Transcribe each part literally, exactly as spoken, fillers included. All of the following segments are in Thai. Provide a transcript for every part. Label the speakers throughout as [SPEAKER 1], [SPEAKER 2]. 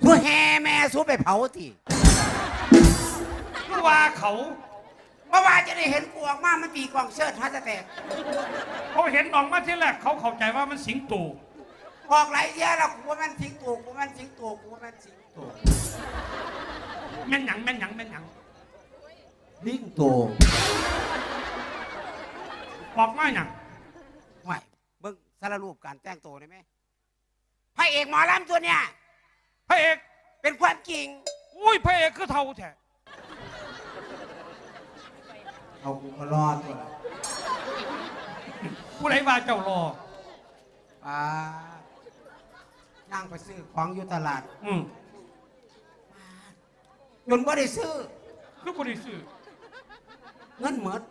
[SPEAKER 1] กูแห่แม่สู้ไปเผาที
[SPEAKER 2] เมื่อว่าเขา
[SPEAKER 1] เมื่อวานจะได้เห็นกูออกมามันตีกองเชิดฮัตแตก
[SPEAKER 2] เขาเห็นออกมาที่แรกเขาเข้าใจว่ามันสิงโต
[SPEAKER 1] ออกไหลเยอะแล้วกูว่ามันสิงโตกูมันสิงโตกูว่ามันสิงโต
[SPEAKER 2] แม่นหยังแม่นหยังแม่นหยัง
[SPEAKER 1] ลิงโต
[SPEAKER 2] ออกมาหยัง
[SPEAKER 1] ไม่เบิ่งสารรูปการแต่งตัวได้ไหมพระเอกหมอลำตัวเนี้ย
[SPEAKER 2] พระเอก
[SPEAKER 1] เป็นความจริง
[SPEAKER 2] อุ้ยพระเอกคือเท่าแท้
[SPEAKER 1] เอากูก็รอดตัว
[SPEAKER 2] ผู้ใดว่าเจ้ารอ
[SPEAKER 1] อ่านั่งไปซื้อของอยู่ตลาด
[SPEAKER 2] อืม
[SPEAKER 1] จนบ่ได้ซื้อ
[SPEAKER 2] คือบ่ได้ซื้อ
[SPEAKER 1] เงินหมด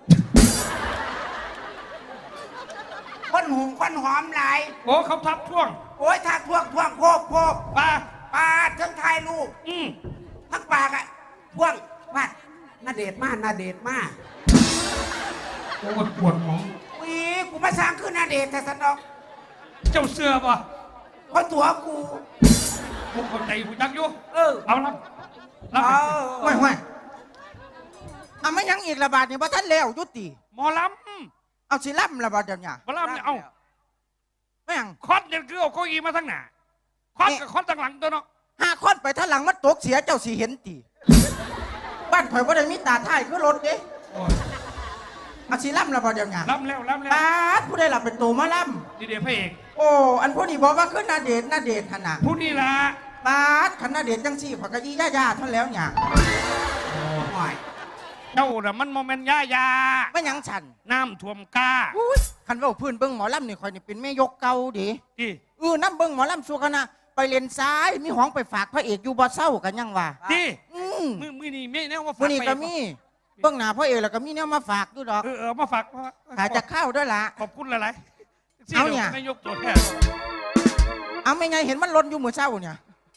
[SPEAKER 1] คนหุงคนหอมหลาย
[SPEAKER 2] โอ้เขาทับท่วง
[SPEAKER 1] โอ้ยทักท่วงท่วงโคบโคบ
[SPEAKER 2] ปลา
[SPEAKER 1] ปลาทั้งทายลูก
[SPEAKER 2] อืม
[SPEAKER 1] ทั้งปากอะท่วงวัดน่าเดชมากน่าเดชมาก
[SPEAKER 2] โอ้ปวดหมอง
[SPEAKER 1] วีกูมาสร้างขึ้นน่าเดชแต่สนอก
[SPEAKER 2] เจ้าเสือป่ะ
[SPEAKER 1] เพราะตัวกู
[SPEAKER 2] กูเข้าใจกูจักอยู่
[SPEAKER 1] เออ
[SPEAKER 2] เอาละ
[SPEAKER 1] เอา
[SPEAKER 3] ห่วยห่วยเอาไม่ยังอีกระบาดเนี่ยพระท่านแล้วยุติ
[SPEAKER 2] หมอล
[SPEAKER 3] ำเอาสิล่ำระบาดเดี๋ยวนี้
[SPEAKER 2] หมอลำเนี่ยเอา
[SPEAKER 3] ไม่ยัง
[SPEAKER 2] คอดเนี่ยคือเอาเก้าอี้มาทั้งหน้าคอดกับคอดทั้งหลังตัวเนาะ
[SPEAKER 3] ห้าคอดไปท่านหลังมันตกเสียเจ้าสีเห็นตีบ้านข่อยว่าได้มีตาท่ายคือรถเด้เอาสิล่ำระบาดเดี๋ยวนี้
[SPEAKER 2] ล่ำแล้วล่ำแล้ว
[SPEAKER 3] ป้าผู้ได้หลับเป็นตัวมาล่
[SPEAKER 2] ำดีเดียพระเอก
[SPEAKER 3] โอ้อันผู้นี้บอกว่าขึ้นนาเดชนาเดชขนาด
[SPEAKER 2] ผู้นี้ละ
[SPEAKER 3] ป้าขนาดเดชจังสี่ผักกะยี่ย่าย่าท่านแล้วเนี่ย
[SPEAKER 2] เจ้าน่ะมันโมเมนต์ย่ายา
[SPEAKER 3] ไม่ยังฉัน
[SPEAKER 2] น้ำท่วมกา
[SPEAKER 3] คันว่าพื้นเบิ้งหมอลำนี่คอยนี่เป็นแม่ยกเก่าดิเออน้ำเบิ้งหมอลำสัวคณะไปเลนซ้ายมีห้องไปฝากพระเอกอยู่บ่เศร้ากันยังวะ
[SPEAKER 2] ดิมือมือนี่ไม่แน่ว่า
[SPEAKER 3] มือนี่ก็มีเบิ้งหน้าพระเอกแล้วก็มีแนวมาฝากด้วยดอก
[SPEAKER 2] เออมาฝาก
[SPEAKER 3] ขายจะเข้าด้วยล่ะ
[SPEAKER 2] ขอบคุณหลาย
[SPEAKER 3] ๆเอาเนี่ย
[SPEAKER 2] ไม่ยกตัวแทน
[SPEAKER 3] เอาไม่ไงเห็นมันล้นอยู่มือเศร้าเนี่ย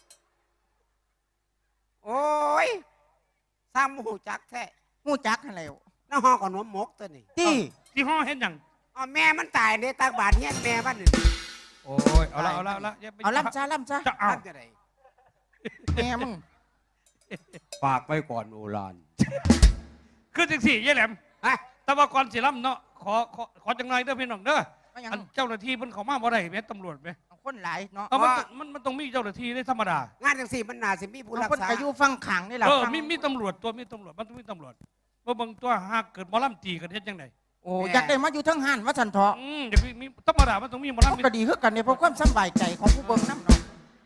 [SPEAKER 1] โอ้ยซ้ำหูจักแท้
[SPEAKER 3] หูจักอะไร
[SPEAKER 1] น้าห้องก่อนหัวมกตัวนี้
[SPEAKER 3] ที่
[SPEAKER 2] ที่ห้องเห็นยัง
[SPEAKER 1] อ๋อแม่มันตายในตาบาดเงี้ยแม่บ้านหนึ่ง
[SPEAKER 2] โอ้ยเอาละเอาละเอาละ
[SPEAKER 3] เอาล่ำจ้าล่ำจ้า
[SPEAKER 2] จะเอา
[SPEAKER 3] แม่มึง
[SPEAKER 1] ฝากไปก่อนโอราน
[SPEAKER 2] คือจังสี่ยี่แหลมแต่ว่าก่อนสิล่ำเนาะขอขอขอจังไรเด้อพี่น้องเด้อเจ้าหน้าที่มันเขามาบ่ได้แม่ตำรวจไหม
[SPEAKER 3] คนหลายเนาะ
[SPEAKER 2] มันมันต้องมีเจ้าหน้าที่ได้ธรรมดาง
[SPEAKER 1] านจังสี่มันน่าสิมีผู้รักษา
[SPEAKER 3] คนอยู่ฟังขังนี่แหละ
[SPEAKER 2] เออมีมีตำรวจตัวมีตำรวจมันต้องมีตำรวจว่าบางตัวหากเกิดมอลำตีกันเฮ็ดยังไง
[SPEAKER 3] โอ้อยากได้มาอยู่ทั้งหันวัดสันทอง
[SPEAKER 2] อืมเดี๋ยวมีธรรมดามันต้องมีมอลำ
[SPEAKER 3] ก็ดีขึ้นกันเนี่ยเพราะความสบายใจของผู้เบิ่งน้ำเนาะ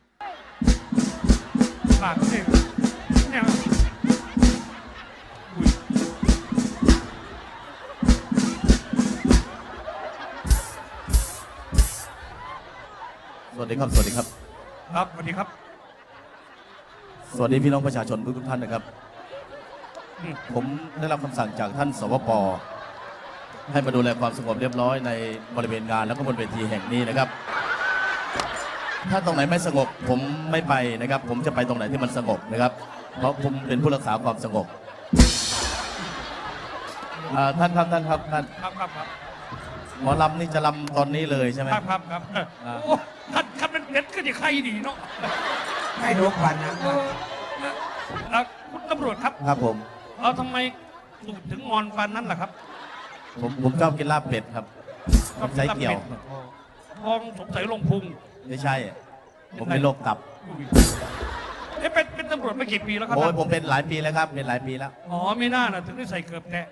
[SPEAKER 2] ปากสิเนี่ย
[SPEAKER 4] สวัสดีครับสวัสดีครับ
[SPEAKER 2] ครับสวัสดีครับ
[SPEAKER 4] สวัสดีพี่น้องประชาชนทุกท่านนะครับผมได้รับคำสั่งจากท่านสวป.ให้มาดูแลความสงบเรียบร้อยในบริเวณงานแล้วก็บนเวทีแห่งนี้นะครับถ้าตรงไหนไม่สงบผมไม่ไปนะครับผมจะไปตรงไหนที่มันสงบนะครับเพราะผมเป็นผู้รักษาความสงบท่านครับท่านครับท่าน
[SPEAKER 2] ครับครับครับ
[SPEAKER 4] หมอลำนี่จะลำตอนนี้เลยใช่ไหม
[SPEAKER 2] ครับครับครับโอ้ท่านท่านเป็นเด็ดก็จะใครดีเนาะ
[SPEAKER 1] ให้ดูควันนะ
[SPEAKER 2] คุณตำรวจครับ
[SPEAKER 4] ครับผม
[SPEAKER 2] เราทำไมสูดถึงงอนฟันนั้นล่ะครับ
[SPEAKER 4] ผมผมชอบกินลาบเป็ดครับใช้เกี่ยว
[SPEAKER 2] ทองสงสัยลงพุง
[SPEAKER 4] ไม่ใช่ผมเป็นโรคตับ
[SPEAKER 2] เอ๊ะเป็นเป็นตำรวจมากี่ปีแล้วครับ
[SPEAKER 4] โอ้ยผมเป็นหลายปีแล้วครับเป็นหลายปีแล้ว
[SPEAKER 2] อ๋อไม่น่านะถึงได้ใส่เกือบแตะ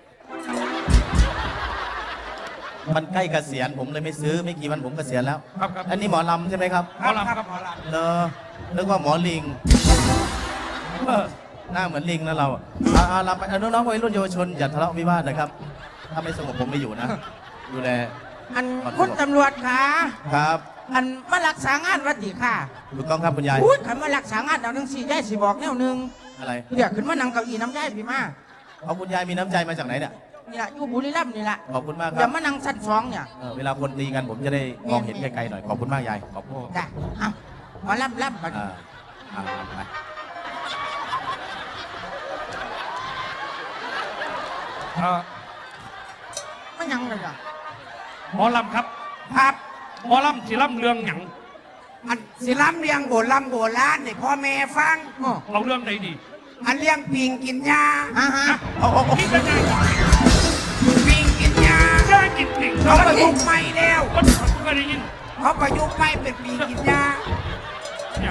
[SPEAKER 4] มันใกล้เกษียณผมเลยไม่ซื้อไม่กี่วันผมเกษียณแล้ว
[SPEAKER 2] ครับครับ
[SPEAKER 4] อันนี้หมอลำใช่ไหมครับ
[SPEAKER 2] หมอลำครับหมอลำ
[SPEAKER 4] เนอะนึกว่าหมอลิงหน้าเหมือนลิงนะเราอ่าลำไปน้องๆวัยรุ่นเยาวชนอย่าทะเลาะวิวาทนะครับถ้าไม่สงบผมไม่อยู่นะดูแล
[SPEAKER 3] อันคุณตำรวจค่ะ
[SPEAKER 4] ครับ
[SPEAKER 3] อันมารักษางานวัดดีค่ะ
[SPEAKER 4] ถูกต้องครับคุณยาย
[SPEAKER 3] พูดคำมารักษางานเอาหนึ่งสี่ยายสีบอกแนวหนึ่ง
[SPEAKER 4] อะไร
[SPEAKER 3] เดี๋ยวขึ้นมานั่งเก้าอี้น้ำยายพี่มา
[SPEAKER 4] เอาคุณยายมีน้ำใจมาจากไหนเนี่ย
[SPEAKER 3] นี่แหละอยู่บุรีรัมย์นี่แหละ
[SPEAKER 4] ขอบคุณมากครับ
[SPEAKER 3] อย่ามานั่งชั้นสองเนี่ย
[SPEAKER 4] เวลาคนตีกันผมจะได้มองเห็นไกลๆหน่อยขอบคุณมากยายขอบคุณ
[SPEAKER 3] จ้ะเอามาล่ำล่ำไปไม่ยังเลยอ่ะ
[SPEAKER 2] หมอลำครับ
[SPEAKER 1] ครับ
[SPEAKER 2] หมอลำสิลำเรื่องหยัง
[SPEAKER 1] มันสิล้ำเลี้ยงโบราณโบราณนี่พ่อแม่ฟัง
[SPEAKER 3] อ้อ
[SPEAKER 2] เอาเรื่องไหนดี
[SPEAKER 1] อันเลี้ยงปิงกินยา
[SPEAKER 3] ฮะฮะ
[SPEAKER 4] เอาเอาเอา
[SPEAKER 2] นี่เป็นไง
[SPEAKER 1] ปิงกินยา
[SPEAKER 2] ย่ากินปิ่ง
[SPEAKER 1] เขา
[SPEAKER 2] เขา
[SPEAKER 1] ประยุกต์ใหม่แล้ว
[SPEAKER 2] คนก็ได้ยิน
[SPEAKER 1] เขาประยุกต์ใหม่เป็นปิงกินยา
[SPEAKER 2] เนี่ย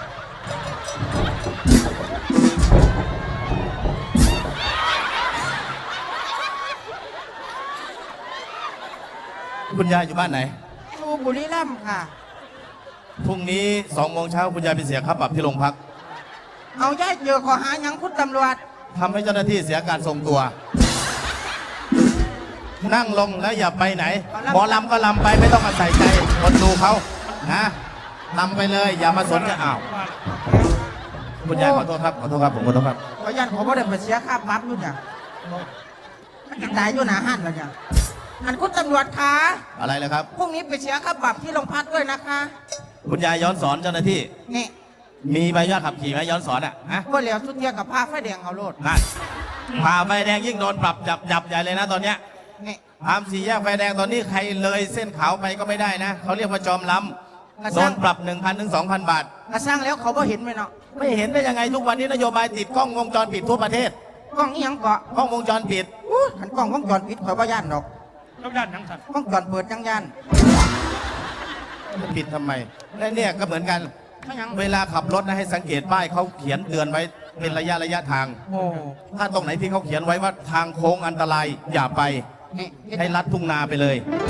[SPEAKER 4] คุณยายอยู่บ้านไหน
[SPEAKER 3] อยู่บุรีรัมย์ค่ะ
[SPEAKER 4] พรุ่งนี้สองโมงเช้าคุณยายไปเสียค่าปรับที่โรงพัก
[SPEAKER 3] เอาย่ายเจอขอหาหยังคุณตำรวจ
[SPEAKER 4] ทำให้เจ้าหน้าที่เสียการทรงตัว นั่งลงแล้วอย่าไปไหน หมอลำก็ลำไปไม่ต้องมาใส่ใจคนดูเขานะลำไปเลย อย่ามาสนใจอ้าวคุณยายขอโทษครับขอโทษครับผมขอโทษครับ
[SPEAKER 3] ขอยันขอบ่ได้ไปเสียค่าปรับอยู่เนี่ยมันจะตายอยู่หนาหันแล้วเนี่ยอันคุณตำรวจคะ
[SPEAKER 4] อะไรเลยครับ
[SPEAKER 3] พรุ่งนี้ไปเสียค่าปรับที่โรงพักด้วยนะคะ
[SPEAKER 4] คุณยายย้อนสอนเจ้าหน้าที่
[SPEAKER 3] นี่
[SPEAKER 4] มีใบอนุญาตขับขี่ไหมย้อนสอนอ่ะฮะ
[SPEAKER 3] ว่าเหลียวสุดเทียกับผ้าไฟแดงเอาโลด
[SPEAKER 4] นั่นผ่าไฟแดงยิ่งโดนปรับจับจับใหญ่เลยนะตอนเนี้ย
[SPEAKER 3] นี่
[SPEAKER 4] ตามสี่แยกไฟแดงตอนนี้ใครเลยเส้นขาวไปก็ไม่ได้นะเขาเรียกว่าจอมล้ำโดนปรับ หนึ่งพัน ถึง สองพัน บาท
[SPEAKER 3] กระสร้างแล้วเขาบ่เห็นไหมเนาะ
[SPEAKER 4] ไม่เห็นได้ยังไงทุกวันนี้นโยบายติดกล้องวงจรปิดทั่วประเทศ
[SPEAKER 3] กล้องอีหยังเกาะ
[SPEAKER 4] กล้องวงจรปิด
[SPEAKER 3] อู้ขันกล้องวงจรปิดข่อยบ่ย่านดอก
[SPEAKER 2] ต้องด้านทั้งสัตว์
[SPEAKER 3] วงจรเปิดจังย่าน
[SPEAKER 4] จะปิดทำไมและเนี่ยก็เหมือนกัน
[SPEAKER 3] ไม่หยัง
[SPEAKER 4] เวลาขับรถนะให้สังเกตป้ายเขาเขียนเตือนไว้เป็นระยะระยะทาง
[SPEAKER 3] โอ้
[SPEAKER 4] ถ้าตรงไหนที่เขาเขียนไว้ว่าทางโค้งอันตรายอย่าไป
[SPEAKER 3] นี่
[SPEAKER 4] ให้ลัดทุ่งนาไปเลย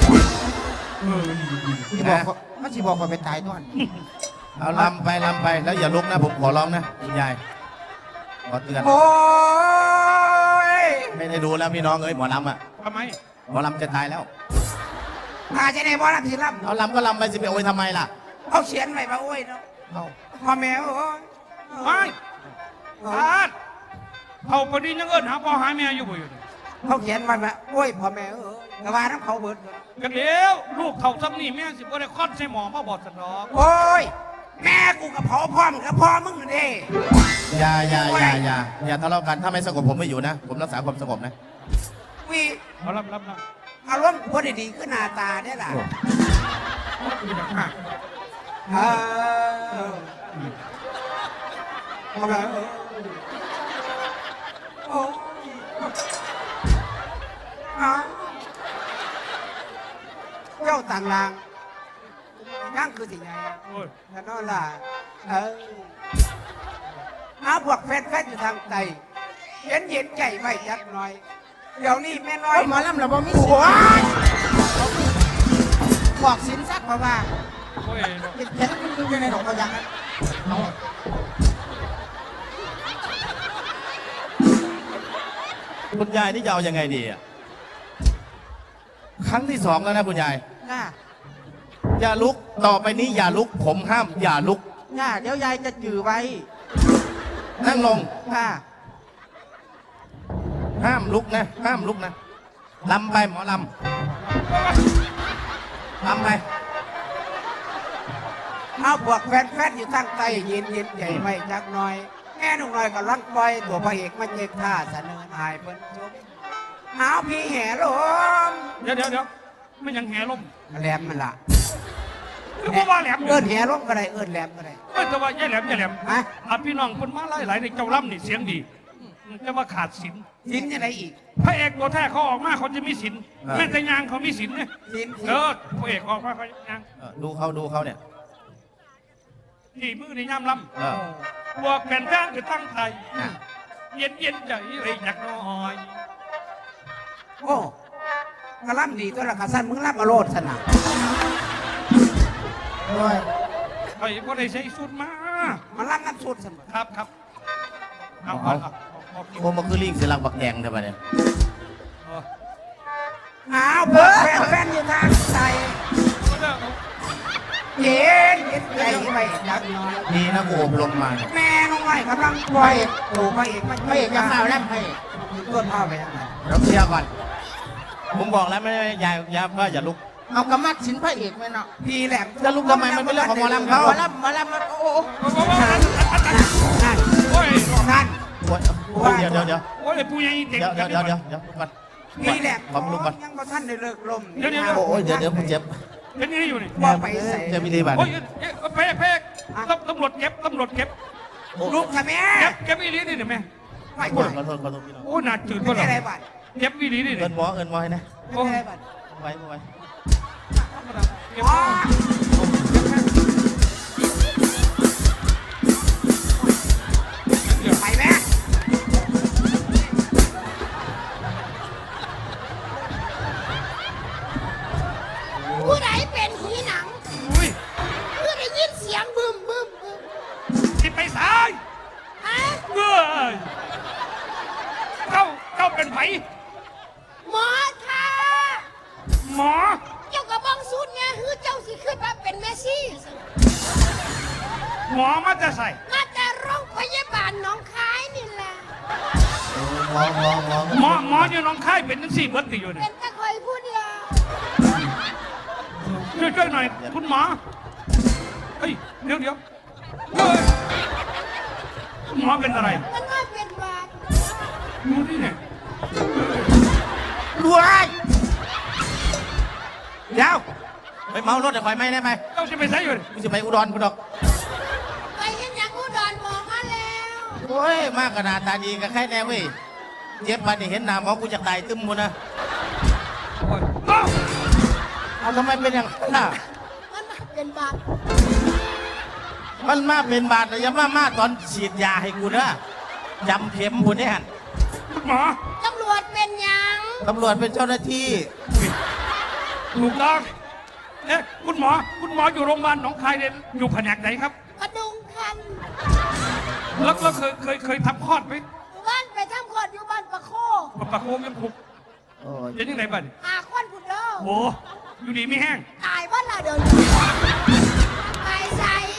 [SPEAKER 3] ที่บอกว่ามันสิบอกว่าไปตายด้วย
[SPEAKER 4] เอาลำไปลำไปแล้วอย่าลุกนะผมขอร้องนะคุณยายขอเตือน
[SPEAKER 1] โอ้ย
[SPEAKER 4] ไม่ได้ดูแล้วพี่น้องเอ้ยหมอลำอ่ะ
[SPEAKER 2] ทำไม
[SPEAKER 4] หมอลำจะตายแล้ว
[SPEAKER 1] อาจะได้บอลสิล้
[SPEAKER 4] เอาลำก็ลำไปสิไปโอยทำไมล่ะ
[SPEAKER 1] ำเขาเขียนไว้ว่าโอ้ยเนาะ
[SPEAKER 4] เอา
[SPEAKER 1] พ่อแม่โอ้ย
[SPEAKER 2] ไม่พาดเขาพอดียังเอิญหาพ่อหาแม่อยู่บ่อยู่นี่
[SPEAKER 1] เขาเขียนไว้ว่าโอ้ยพ่อแม่เอ้ยกระว่าน้ำเขาเบิดเบิด
[SPEAKER 2] กันเดียวลูกเขาซ้ำนี่แม่สิบ่ได้คลอดใส่หมอมาบอดสนอก
[SPEAKER 1] โอ้ยแม่กูกับพ่อพ่อมึงกับพ่อมึงนี่
[SPEAKER 4] อย่าอย่าอย่าอย่าอย่าทะเลาะกันถ้าไม่สงบผมไม่อยู่นะ ผมรักษาความสงบนะ
[SPEAKER 1] วี
[SPEAKER 2] เอารับรับรับ
[SPEAKER 1] อารมณ์คนดีๆขึ้นหน้าตาเนี่ยล่ะเออพ่อแม่เอ้ยโอ้ยอ้าวเจ้าต่างลางนั่งคือสิ่งไง
[SPEAKER 2] โอ้ย
[SPEAKER 1] แล้วนั่นล่ะเออเอาพวกแฟนๆอยู่ทางไตเย็นเย็นๆใจไว้จักหน่อย เดี๋ยวนี้แม่น้อย
[SPEAKER 3] โอ้ยหมอลำเราบ่มีสิท
[SPEAKER 1] โอ้
[SPEAKER 3] ธิ์
[SPEAKER 1] ย
[SPEAKER 3] บอกสินสักเพราะว่า
[SPEAKER 2] โอ้ย
[SPEAKER 3] เห็นเห็นมันอยู่ในดอกกระยังนั้นเอา
[SPEAKER 4] คุณยายนี่จะเอายังไงดีอ่ะครั้งที่สองแล้วนะคุณยาย
[SPEAKER 3] จ้า
[SPEAKER 4] อย่าลุกต่อไปนี้อย่าลุก ผมห้าม อย่าลุก
[SPEAKER 3] จ้าเดี๋ยวยายจะจือไว้
[SPEAKER 4] นั่งลง
[SPEAKER 3] ค่ะ
[SPEAKER 4] ห้ามลุกนะ ห้ามลุกนะลำไปหมอลำลำไป
[SPEAKER 1] เอาพวกแฟนๆอยู่ทางไตเย็นเย็นๆใจไว้จักหน่อย แม่หนุ่มน้อยก็ลังปล่อยตัวพระเอกมันเย็กท่าเสนอหายเพิ่นชมเอาพี่แห่ลม
[SPEAKER 2] เดี๋ยวเดี๋ยวเดี๋ยวไม่ยังแห่ลม
[SPEAKER 1] แหลมมันล่ะ
[SPEAKER 2] คือบ่ว่าแหลม
[SPEAKER 1] เอิ้นแห่ลมก็ได้เอิ้นแหลมก็ได้
[SPEAKER 2] เอ้ยแต่ว่าย่าแหลมย่าแหลม
[SPEAKER 1] ฮะ
[SPEAKER 2] อ่ะพี่น้องคนมาหลายๆในเจ้าล่ำนี่เสียงดีแต่ว่าขาดศีล
[SPEAKER 1] สินจะได้อีก
[SPEAKER 2] พระเอกตัวแท้เขาออกมาเขาจะมีศีลแม้แต่ยางเขามีศีลเนี่ย
[SPEAKER 1] สิน
[SPEAKER 2] เออพระเอกออกมาเขายาง
[SPEAKER 4] เออดูเขาดูเขาเนี่ย
[SPEAKER 2] ที่มือในย่ำล
[SPEAKER 4] เออ
[SPEAKER 2] ำพวกแผ่นแท่งคือตั้งใจเย็นเย็นๆใจเลยอยากน้อย
[SPEAKER 1] โอ้กระลำดีตัวละกระสันมึงรับมาโลดสนะ
[SPEAKER 3] ด้วย
[SPEAKER 2] ไอ้พวกได้ใช้สุดมา
[SPEAKER 1] มันรับน้ำสุดเสมอ
[SPEAKER 2] ครับครับเอาเอาเอาเอา
[SPEAKER 4] โอ้มันคือลิงเสียหลักบักแดงทำไมเนี่ย
[SPEAKER 2] เอา
[SPEAKER 1] เอาเพื่อแฟนๆอยู่ทางไตเย็นเย็นใจไว้จักหน่อย
[SPEAKER 4] ดีนะกูอบรมมาเนี่ย
[SPEAKER 1] แม่น้องไอ้กำลังปล่อยตัวพระเอกมัน
[SPEAKER 3] พระเอกจะข่าวแล้วพระเอก
[SPEAKER 1] ต้นผ้าไปยังไง
[SPEAKER 4] เดี๋ยวเคลียร์ก่อน ผมบอกแล้วไม่ไม่ยายยายว่าอย่าลุก
[SPEAKER 3] เอากระมัดสินพระเอกไหมเนาะ
[SPEAKER 1] พี่แหลม
[SPEAKER 4] จะลุกทำไมมันเป็นเรื่องของหมอลำเขา
[SPEAKER 3] หมอลำหมอลำมันโอ้โห
[SPEAKER 1] นั่นนั่น
[SPEAKER 2] โอ้ย
[SPEAKER 1] นั่น
[SPEAKER 4] โอ๊ยโอ๊ยเดี๋ยวเดี๋ยวเดี๋ยว
[SPEAKER 2] โอ้ยผู้ใหญ่เด็ก
[SPEAKER 4] เดี๋ยวเดี๋ยวเดี๋ยวเดี๋ยวเดี๋ยวลุกก่อน
[SPEAKER 1] พี่แหลม
[SPEAKER 4] ขอลุกก่อน
[SPEAKER 1] ยังบ่ท่านได้เลิกลม
[SPEAKER 4] โอ้ยเดี๋ยวเดี๋ยวผมเจ็บ
[SPEAKER 2] เป็นนี่อยู่นี่
[SPEAKER 1] ว่าไปใส่
[SPEAKER 4] เจ็บวิธีบัตร
[SPEAKER 2] โอ้ยเป๊ะเป๊ะตำรวจเก็บตำรวจเก็บ
[SPEAKER 1] ลูกทำไม
[SPEAKER 2] เก็บเก็บอีหลีนี่เห็นไหม
[SPEAKER 1] ไม่
[SPEAKER 4] ข
[SPEAKER 1] ใช่
[SPEAKER 4] อโทษขอโทษพี่น้อง
[SPEAKER 2] โอ้หนาจืด
[SPEAKER 1] ไม่
[SPEAKER 2] ก็หร
[SPEAKER 1] ได้
[SPEAKER 2] อ
[SPEAKER 1] อะไรบ้าง
[SPEAKER 2] เก็บอีหลีนี่
[SPEAKER 4] เอินหมอเอินหมอให้นะ
[SPEAKER 1] ไม่ได้อะไรบ้าง
[SPEAKER 4] ไว้ไว้
[SPEAKER 1] อ๋อไปแม่
[SPEAKER 5] ผู้ใดเป็นผีหนัง
[SPEAKER 2] อุ้ย
[SPEAKER 5] ผู้ได้ยินเสียงบึมบึมบึม
[SPEAKER 2] สิไปสาย
[SPEAKER 5] ฮะ
[SPEAKER 2] เมื่อยเจ้าเจ้าเป็นไผ
[SPEAKER 5] หมอค่ะ
[SPEAKER 2] หมอ
[SPEAKER 5] เจ้ากระบองสุดเนี่ยคือเจ้าสิขึ้นมาเป็นเมสซี่
[SPEAKER 2] หมอมาจะใส่
[SPEAKER 5] มาแต่โรงพยาบาลหน้องคายนี่แหละ
[SPEAKER 4] หมอหมอหมอ
[SPEAKER 2] หมอหมออยู่หน้องค่ายเป็นทั้งสี่เบิร์ตอยู่เนี่
[SPEAKER 5] เป็
[SPEAKER 2] ย
[SPEAKER 5] นตะคอยผู้เดียว
[SPEAKER 2] ช่วยช่วยหน่อยคุณหมอเฮ้ยเดี๋ยวเดี๋ยวเฮ้ยคุณหมอเป็นอะไร
[SPEAKER 5] มันว่าเป็นบาด
[SPEAKER 2] ดูนี่เนี่ย
[SPEAKER 1] รวยเดี๋ยว
[SPEAKER 4] ไปเมารถเดี๋ยวไฟไหม้ได้ไหม
[SPEAKER 2] เจ้าจะไปใส่อยู่
[SPEAKER 4] กูจะไปอุดรกูดอก
[SPEAKER 5] ไปเห็นอย่างอุดรหมอมาแล้ว
[SPEAKER 4] โอ้ยมากขนาดตาดีกับใครแน่เว้ยเจ็บมาเนี่เห็นหน้าหมอกูจะตายตึ้มหมดนะ
[SPEAKER 2] โอ้ยเอ้า
[SPEAKER 4] เอาทำไมเป็นอย่างนั้นน่ะ
[SPEAKER 5] มันว่าเป็นบาด
[SPEAKER 4] มันมาเป็นบาดแต่อยังมามาตอนฉีดยาให้กูนะจำเข็มกูเนี่ย
[SPEAKER 2] คุณหมอ
[SPEAKER 5] ตำรวจเป็นหยัง
[SPEAKER 4] ตำรวจเป็นเจ้าหน้าที่
[SPEAKER 2] ถูกต้องเอ๊ะคุณหมอ คุณหมออยู่โรงพยาบาลหนองคายเนี่ยอยู่แผนกไหนครับ
[SPEAKER 5] กระดุงคัน
[SPEAKER 2] แล้วแล้วเคยเคยเคยทำคลอดไหม
[SPEAKER 5] บ้านไปทำคลอดอยู่บ้านปะโค
[SPEAKER 2] ปากโคงยังผูก
[SPEAKER 4] โอ้ย
[SPEAKER 2] เป็นยังไงบ้าง
[SPEAKER 5] หาควันผุดเด้อ
[SPEAKER 2] โอ้อยู่ดีไม่แห้ง
[SPEAKER 5] ตายบ้านละเดินไปใส่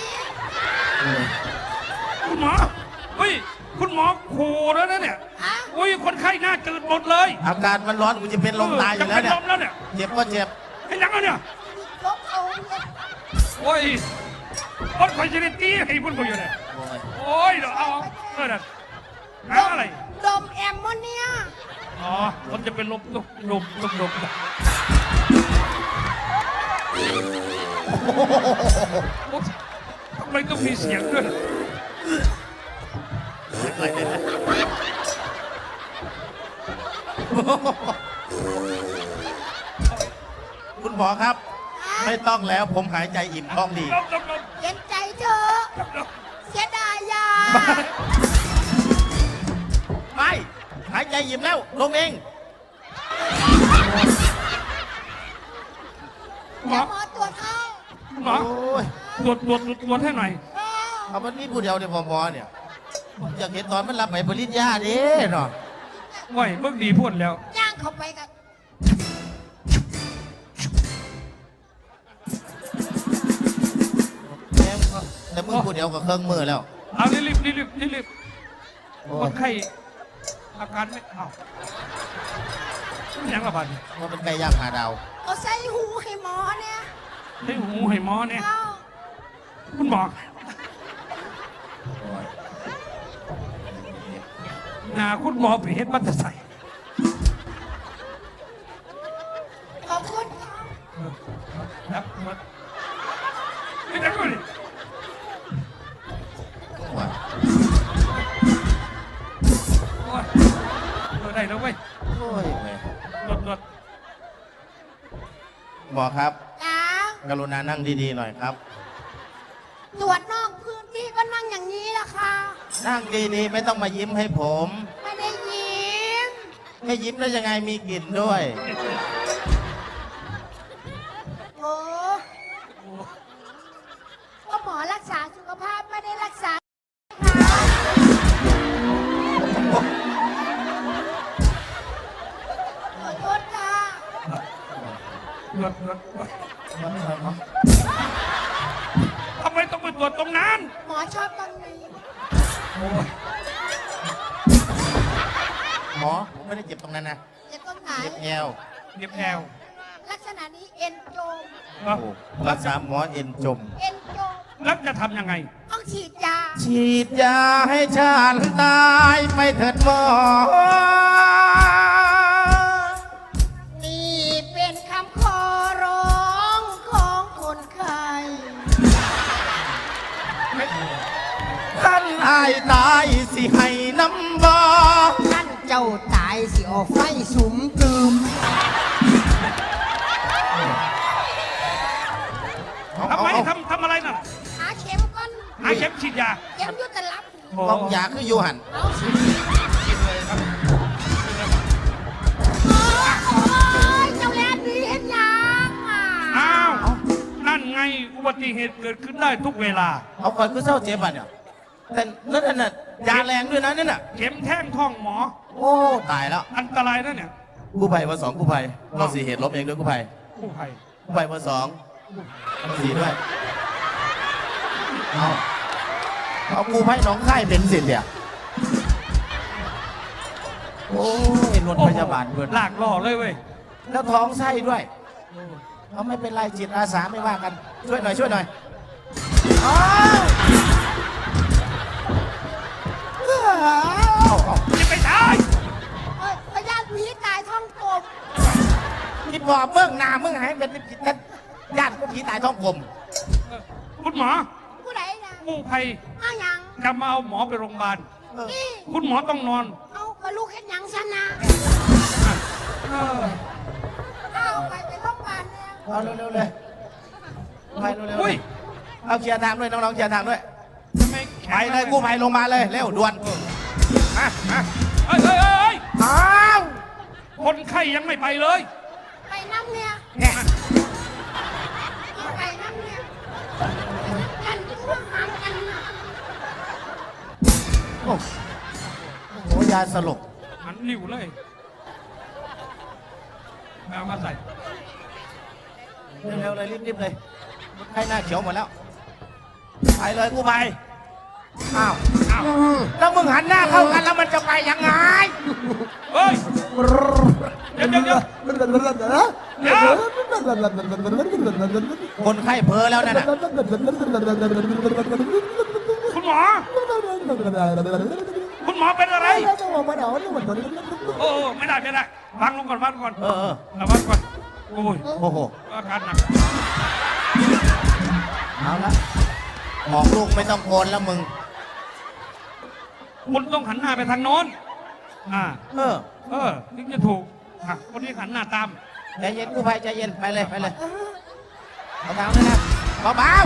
[SPEAKER 2] คุณหมอเฮ้ยคุณหมอโคแล้วนะเนี่ย
[SPEAKER 5] ฮะ
[SPEAKER 2] อุ้ยคนไข้หน้าจืดหมดเลย
[SPEAKER 4] อากาศมันร้อนกูจะเป็นลมตายอยู่แล้วเนี่ย
[SPEAKER 2] จะเป็นลมแล้วเนี่ย
[SPEAKER 4] เจ็บก็เจ็บ
[SPEAKER 2] ให้ยังไงเนี่ย
[SPEAKER 5] ลบเอาเนี่ย
[SPEAKER 2] โอ้ยคนคอยจะได้ตีให้พุ่นเขาอยู่เนี่ย
[SPEAKER 4] โอ้ย
[SPEAKER 2] โอ้ยเดี๋ยวเอาเออน่ะน้ำอะไร
[SPEAKER 5] ดมแอมโมเนีย
[SPEAKER 2] อ๋อคนจะเป็นลมลมลมลมลมโอ้ทำไมต้องมีเสียงด้วย
[SPEAKER 4] คุณหมอครับ ไม่ต้องแล้วผมหายใจอิ่มท้องดี
[SPEAKER 2] ลมลมลม
[SPEAKER 5] เย็นใจเธอะ
[SPEAKER 2] ลม
[SPEAKER 5] เสียดายยา
[SPEAKER 4] ไม่หายใจอิ่มแล้วลงเอง
[SPEAKER 2] หมอ
[SPEAKER 5] หมอตรวจให้
[SPEAKER 2] หมอ
[SPEAKER 4] โอ้ย
[SPEAKER 2] ตรวจตรวจตรวจให้หน่อย
[SPEAKER 5] เออ
[SPEAKER 4] เอามันนี่ผู้เดียวเนี่ยพอหมอเนี่ยผมอยากเห็นตอนมันรับไปปริญญาเด้เนาะ
[SPEAKER 2] ว้ยเมื่อดีพูดแล้ว
[SPEAKER 5] ย่างเข้าไปกัน
[SPEAKER 4] แม่งก็แต่มือผู้เดียวกับเครื่องมือแล้ว
[SPEAKER 2] เอารีบรีบรีบรีบรีบ
[SPEAKER 4] โอ้
[SPEAKER 2] ค
[SPEAKER 4] ย
[SPEAKER 2] นไข้อาการไม่เอายังกระบาด
[SPEAKER 4] มันเป็นไก่ย่างหาดาว
[SPEAKER 5] เอาใส่หูให้หมอเนี่ย
[SPEAKER 2] ให้หูให้หมอเนี่ย
[SPEAKER 5] เอา
[SPEAKER 2] คุณหมอ
[SPEAKER 4] โอ้ย
[SPEAKER 2] หนาคุณหมอไปเฮ็ดบัตรใส่
[SPEAKER 5] ขอบคุณค่ะ
[SPEAKER 2] ครับหมดไม่ได้ด้วย
[SPEAKER 4] โอ้ย
[SPEAKER 2] โอ้ยเออได้แล้วเว้ย
[SPEAKER 4] โอ้ยแม่
[SPEAKER 2] หลดหลด
[SPEAKER 4] หมอครับ
[SPEAKER 5] จ้าก
[SPEAKER 4] รุณานั่งดีๆหน่อยครับ
[SPEAKER 5] ตรวจนอกพื้นที่ก็นั่งอย่างนี้แหละค่ะ
[SPEAKER 4] นั่งดีๆไม่ต้องมายิ้มให้ผม
[SPEAKER 5] ไม่ได้ยิ้ม
[SPEAKER 4] ไม่ยิ้มแล้วยังไงมีกลิ่นด้วย
[SPEAKER 5] โอ้ก็หมอรักษาสุขภาพไม่ได้รักษาขอโทษค่ะ
[SPEAKER 2] หลดหลดหลดทำไมต้องไปตรวจตรงนั้น
[SPEAKER 5] หมอชอบตรงนี้
[SPEAKER 2] โอ้ย
[SPEAKER 4] หมอผมไม่ได้เจ็บตรงนั้นนะ
[SPEAKER 5] เจ็บตรงไหน
[SPEAKER 4] เจ็บแอว
[SPEAKER 2] เนียบแอว
[SPEAKER 5] ลักษณะนี้เอ็นโจม
[SPEAKER 2] เอ้า
[SPEAKER 4] โอ้รักษาหมอเอ็นจม
[SPEAKER 5] เอ็นโจม
[SPEAKER 2] แล้วจะทำยังไง
[SPEAKER 5] ต้องฉีดยา
[SPEAKER 4] ฉีดยาให้ฉันตายไปเถิดหมอ
[SPEAKER 5] นี่เป็นคำขอร้องของคนไข้
[SPEAKER 4] อายตายสิให้น้ำบ่
[SPEAKER 5] นั่นเจ้าตายสิเอาไฟสุมตืม
[SPEAKER 2] ทำไมทำทำอะไรน่ะ
[SPEAKER 5] หาเข็มก่อน
[SPEAKER 2] หาเข็มฉีดยา
[SPEAKER 5] เข็มอยุตลับ
[SPEAKER 2] โอ้
[SPEAKER 4] บอกอยากคืออยู่หัน
[SPEAKER 5] เอาสิโอ้ยเจ้าแลนดีเห็นยังอ่ะ
[SPEAKER 2] อ้าวนั่นไงอุบัติเหตุเกิดขึ้นได้ทุกเวลา
[SPEAKER 4] เอาก่อนคือเศร้าเจ็บอ่ะเนี่ยแต่นั่นน่ะยาแรงด้วยนะนั่นน่ะ
[SPEAKER 2] เข็มแท่งท้องหมอ
[SPEAKER 4] โอ้ตายแล้ว
[SPEAKER 2] อันตรายนะเนี่ย
[SPEAKER 4] กู้ภัยมาสองกู้ภัยเราสี่เหตุลบเองด้วยกู้ภัย
[SPEAKER 2] กู้ภัย
[SPEAKER 4] กู้ภัยมาสองมาสี่ด้วยเอาเอากู้ภัยน้องค่ายเป็นสิทธิ์เนี่ยโอ้ยรถพยาบาลเพื่อน
[SPEAKER 2] ลากล่อเลยเว้ย
[SPEAKER 4] แล้วท้องไส้ด้วยเขาไม่เป็นไรจิตอาสาไม่ว่ากัน ช่วยหน่อยช่วยหน่อยอ้าวอ้าวอ้าว
[SPEAKER 2] จะไปตาย
[SPEAKER 5] เอ้ยพยาธิผีตายท้องกลม
[SPEAKER 4] คิดว่าเมื่องหนาเมื่องหายเป็นผิดนั้นญาติก็ผีตายท้องกลม
[SPEAKER 2] คุณหมอ
[SPEAKER 5] ผู้ใดนะ
[SPEAKER 2] กู้ภัย
[SPEAKER 5] เอาหยัง
[SPEAKER 2] จะมาเอาหมอไปโรงพยาบาล
[SPEAKER 5] นี่
[SPEAKER 2] คุณหมอต้องนอน
[SPEAKER 5] เอากระลูกเห็นหยังฉันนะ
[SPEAKER 2] เออ
[SPEAKER 5] เอาไปไปโรงพยาบาลเนี่ย
[SPEAKER 4] เอาเร็วๆเลยไปเร็วๆ
[SPEAKER 2] อุ้ย
[SPEAKER 4] เอาเคลียร์ทางด้วยน้องๆเคลียร์ทางด้วย
[SPEAKER 2] ทำไมแข
[SPEAKER 4] ไป
[SPEAKER 2] น
[SPEAKER 4] เลยกู้ภัยลงมาเลยเร็วด่วนมามา
[SPEAKER 2] เอ้ยเอ้ยเอ้ยเอ้ย
[SPEAKER 4] อ้าว
[SPEAKER 2] คนไข้ยังไม่ไปเลย
[SPEAKER 5] ไปน้ำเนี่ย
[SPEAKER 4] เนี่ย
[SPEAKER 5] เอาไปน้ำเนี่ยกันพวกหางกันนะ
[SPEAKER 4] โอ้โหยาสลบ
[SPEAKER 2] หันริ้วเลยแมวมาใส่
[SPEAKER 4] เร็วๆเลยรีบๆเลยใครหน้าเขียวหมดแล้วไปเลยกู้ภัยอ้าว
[SPEAKER 2] อ้าว
[SPEAKER 4] แล้วมึงหันหน้าเข้ากันแล้วมันจะไปยังไง
[SPEAKER 2] เฮ้ย เดี๋ยวเดี๋ยวเดี๋ยวเดี๋ยว
[SPEAKER 4] คนไข้เพ้อแล้วนั่นน่ะ
[SPEAKER 2] คุณหมอ คุณหมอเป็นอะไร โอ้โอ้ไม่ได้ไม่ได้วางลงก่อนวางลงก่อน
[SPEAKER 4] เออเออ
[SPEAKER 2] เอาวางก่อน โอ้ย
[SPEAKER 4] โอ้โห
[SPEAKER 2] อาการหนัก
[SPEAKER 4] เอาละบอกลูกไม่ต้องโกนแล้วมึง
[SPEAKER 2] คุณต้องหันหน้าไปทางโน้น อ่า
[SPEAKER 4] เออ
[SPEAKER 2] เออถึงจะถูกอ่ะคนนี้หันหน้าตาม
[SPEAKER 4] ใจเย็นกู้ภัยใจเย็นไปเลยไปเลยเอาทางด้วยนะเบา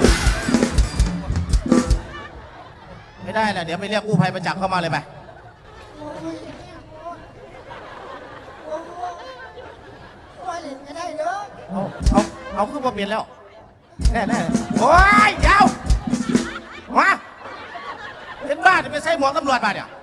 [SPEAKER 4] ๆไม่ได้แหละเดี๋ยวไปเรียกกู้ภัยมาจับเข้ามาเลยไป
[SPEAKER 5] โอ้ยเนี่ยโอ้ยโอ้ยโอ้ยเล่นก็ได้เด้อ
[SPEAKER 4] เอาเอาเอาขึ้นมาเปลี่ยนแล้วแน่แน่โอ้ยเดี๋ยวมาเป็นบ้าจะไปใส่หมวกตำรวจมาเนี่ย